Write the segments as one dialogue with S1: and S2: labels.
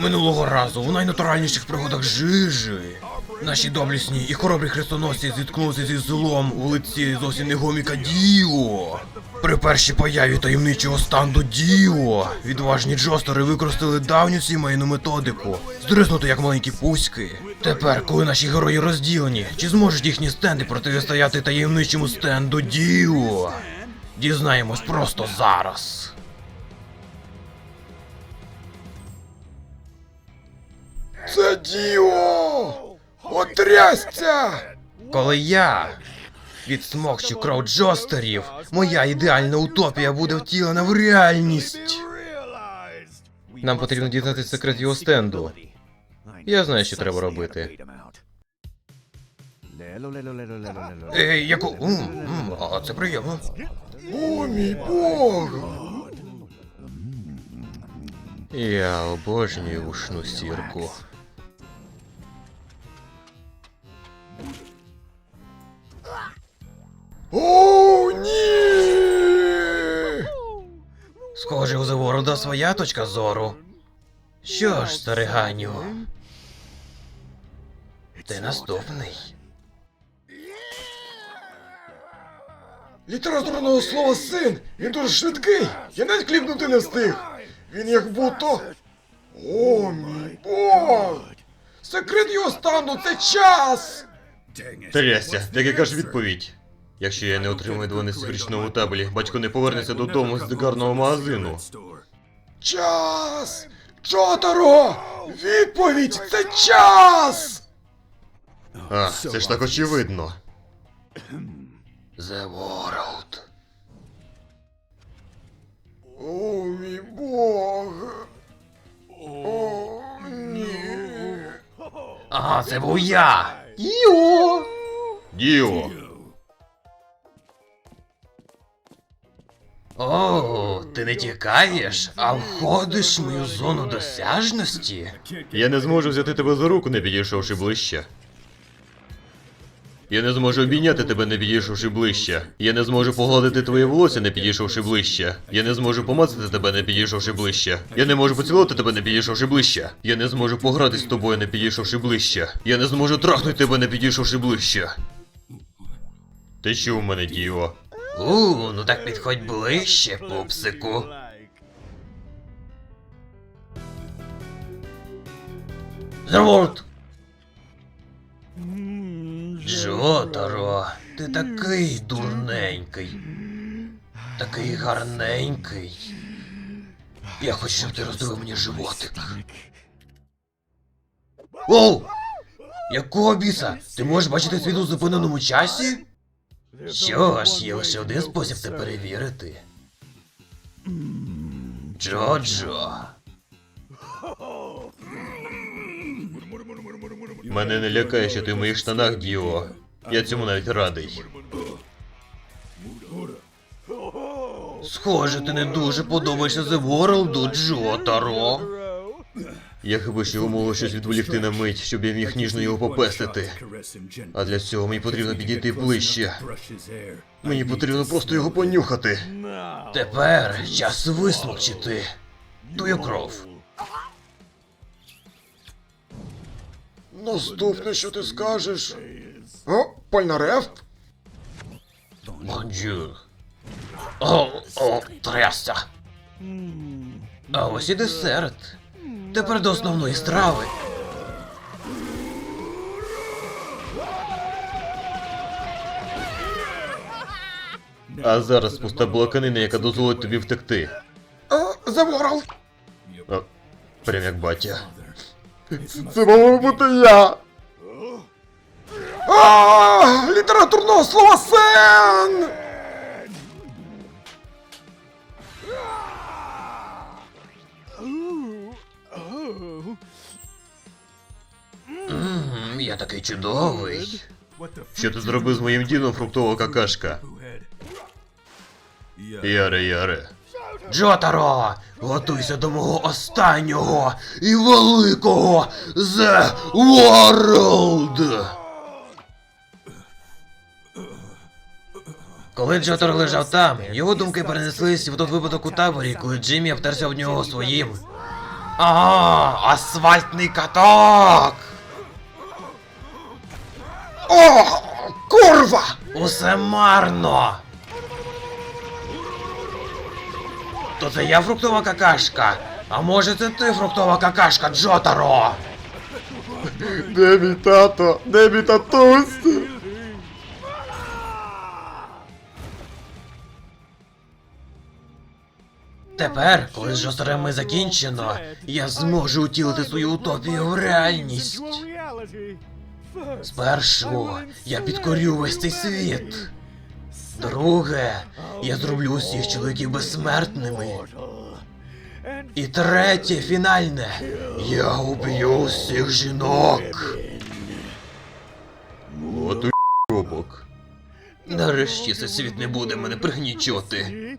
S1: Минулого разу у найнатуральніших пригодах жижі наші доблесні і хоробрі хрестоносці зіткнулися зі злом у лиці зовсім не гоміка Діо. При першій появі таємничого стенду Діо відважні джостери використали давню сімейну методику здриснути як маленькі пуськи. Тепер, коли наші герої розділені, чи зможуть їхні стенди протистояти таємничому стенду Діо? Дізнаємось просто зараз.
S2: Це Діо! Отрясся!
S1: Коли я відсмокчу кров джостерів, моя ідеальна утопія буде втілена в реальність. Нам потрібно дізнатися секрет його стенду. Я знаю, що треба робити. А це приємно.
S2: О, мій Бог!
S1: Я обожнюю ушну сірку.
S2: О, ні!
S1: Схоже, у Заворода своя точка зору. Що ж, стариганю, ти наступний.
S2: Літературного слова син! Він дуже швидкий! Я навіть кліпнути не встиг! Він як будто... О, мій Бог! Секрет його стану — це час!
S1: Трясся, так яка ж відповідь? Якщо я не отримую 12 в річному табелі, батько не повернеться додому з гарного магазину.
S2: Час! Джотаро! Відповідь — це час!
S1: А, це ж так очевидно. The World.
S2: О, мій Бог! О, ні!
S1: Ага, це був я! Діо! Діо! О, ти не тікаєш, а входиш в мою зону досяжності? Я не зможу взяти тебе за руку, не підійшовши ближче. Я не зможу обійняти тебе, не підійшовши ближче. Я не зможу погладити твоє волосся, не підійшовши ближче. Я не зможу помацати тебе, не підійшовши ближче. Я не можу поцілувати тебе, не підійшовши ближче. Я не зможу погратись з тобою, не підійшовши ближче. Я не зможу трахнути тебе, не підійшовши ближче. Ти чув мене, Діо? Ну так підходь ближче, пупсику. Заворт! Джотаро, ти такий дурненький. Такий гарненький. Я хочу, щоб ти роздивив мені животик. Оу! Якого біса? Ти можеш бачити світ у зупиненому часі? Що ж, є лише один спосіб це перевірити. Джоджо. Мене не лякає, що ти в моїх штанах, Діо. Я цьому навіть радий. Схоже, ти не дуже подобаєшся The World, Джотаро. Я хіба що його можу щось відволікти на мить, щоб я міг ніжно його попестити. А для цього мені потрібно підійти ближче. Мені потрібно просто його понюхати. Тепер час висмокчити твою кров.
S2: Наступне, що ти скажеш? О, Польнарефт?
S1: Бонджур. Трясся. А ось і десерт. Тепер до основної страви. А зараз пуста блоканина, яка дозволить тобі втекти.
S2: The World!
S1: Прям як батя.
S2: Це мав бути я! Літературного слова сен!
S1: Я такий чудовий. Що ти зробив з моїм дідом, фруктова какашка? Яре. Джотаро, готуйся до мого останнього і великого The World! Коли Джотаро лежав там, його думки перенеслись в той випадок у таборі, коли Джиммі обтерся об нього своїм Асфальтний каток!
S2: О, курва!
S1: Усе марно! То це я фруктова какашка? А може це ти фруктова какашка, Джотаро?
S2: Де мій тато? Де мій татусь?
S1: Тепер, коли з Жостерами закінчено, я зможу утілити свою утопію в реальність. Спершу я підкорю весь цей світ. Друге, я зроблю усіх чоловіків безсмертними. І третє, фінальне, я уб'ю усіх жінок.
S2: От робок.
S1: Нарешті цей світ не буде мене пригнічувати.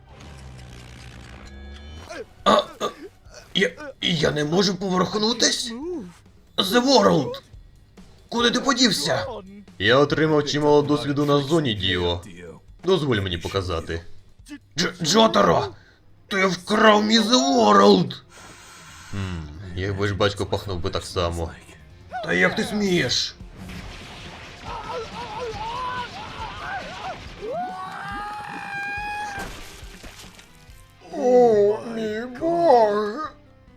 S1: Я не можу поворухнутись? The World! Куди ти подівся?
S2: Я отримав чимало досвіду на зоні, Діо. Дозволь мені показати.
S1: Джотаро! Ти вкрав мій The World!
S2: Якби ж батько пахнув би так само.
S1: Та як ти смієш?
S2: О, мій Бог!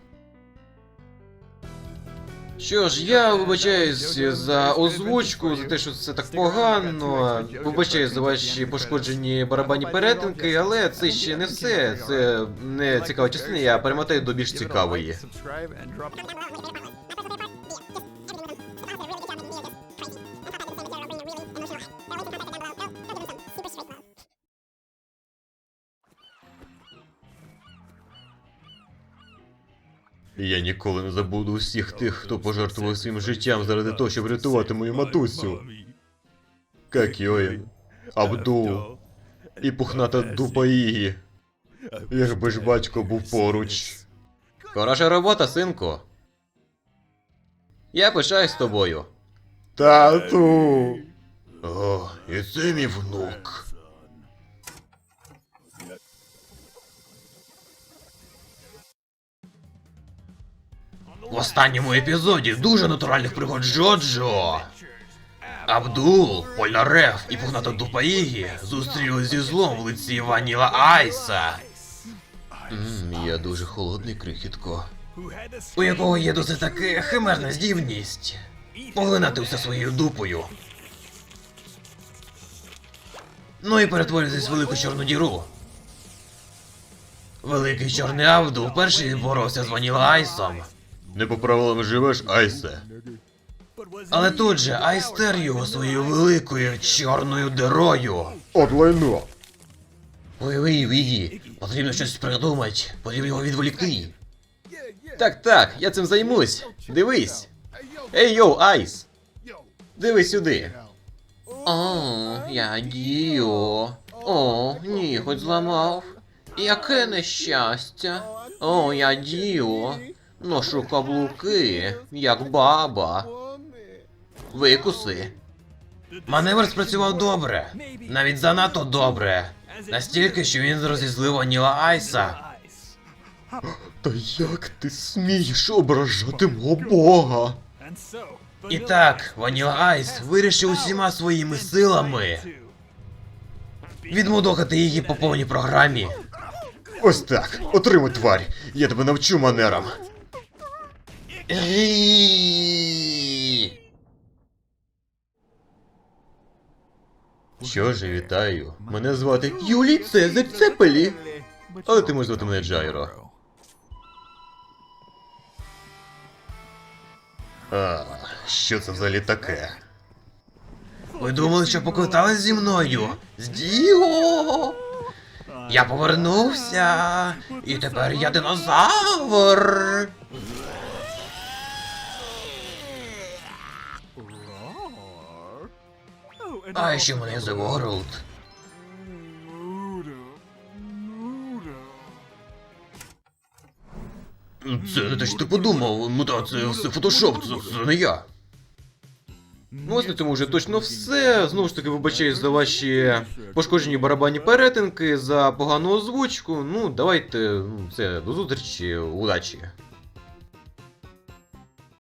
S3: Що ж, я вибачаюсь за озвучку, за те, що це так погано. Вибачаюсь за ваші пошкоджені барабанні перетинки, але це ще не все. Це не цікава частина, я перемотаю до більш цікавої.
S2: Я ніколи не забуду усіх тих, хто пожертвував своїм життям заради того, щоб рятувати мою матусю. Какьоїн, Абдул і пухната дупа Ігі. Якби ж батько був поруч.
S3: Хороша робота, синку. Я пишаюсь тобою.
S2: Тату! О, і це мій внук.
S1: В останньому епізоді дуже натуральних пригод Джоджо. Абдул, Поляреф і пухната дупа Ігі зустрілись зі злом в лиці Ваніла Айса,
S2: Я дуже холодний, крихітко.
S1: у якого є досить таки химерна здібність поглинати все своєю дупою. Ну і перетворитись в велику чорну діру. Великий чорний Абдул вперше боровся з Ваніла Айсом.
S2: Не по правилам живеш, Айсе.
S1: Але тут же Айс стер його своєю великою чорною дирою.
S2: От лайно.
S1: Ой, потрібно щось придумати, потрібно його відволікти.
S3: Так, я цим займусь. Дивись. Ей йоу, Айс. Дивись сюди. О, я Діо. О, ні, хоч зламав. Яке нещастя. О, я Діо. Ношу каблуки, як баба. Викуси.
S1: Маневр спрацював добре, навіть занадто добре. Настільки, що він розізлив Ваніла Айса.
S2: Та як ти смієш ображати мого бога?
S1: І так, Ваніла Айс вирішив усіма своїми силами відмудохати її по повній програмі.
S2: Ось так, отримуй, тварь. Я тебе навчу манерам. Що ж, вітаю. Мене звати Юлій Цезарь Цепелі. Але ти можеш звати мене Джайро. Що це взагалі таке?
S1: Ви думали, що поквитались зі мною? З Діо! Я повернувся, і тепер я динозавр! А ще в мене The World. Це не те, що ти подумав, ну та це все фотошоп, це не я.
S3: Ну ось на цьому вже точно все. Знову ж таки, вибачаюсь за ваші пошкоджені барабанні перетинки, за погану озвучку. Ну, давайте, це, до зустрічі, удачі.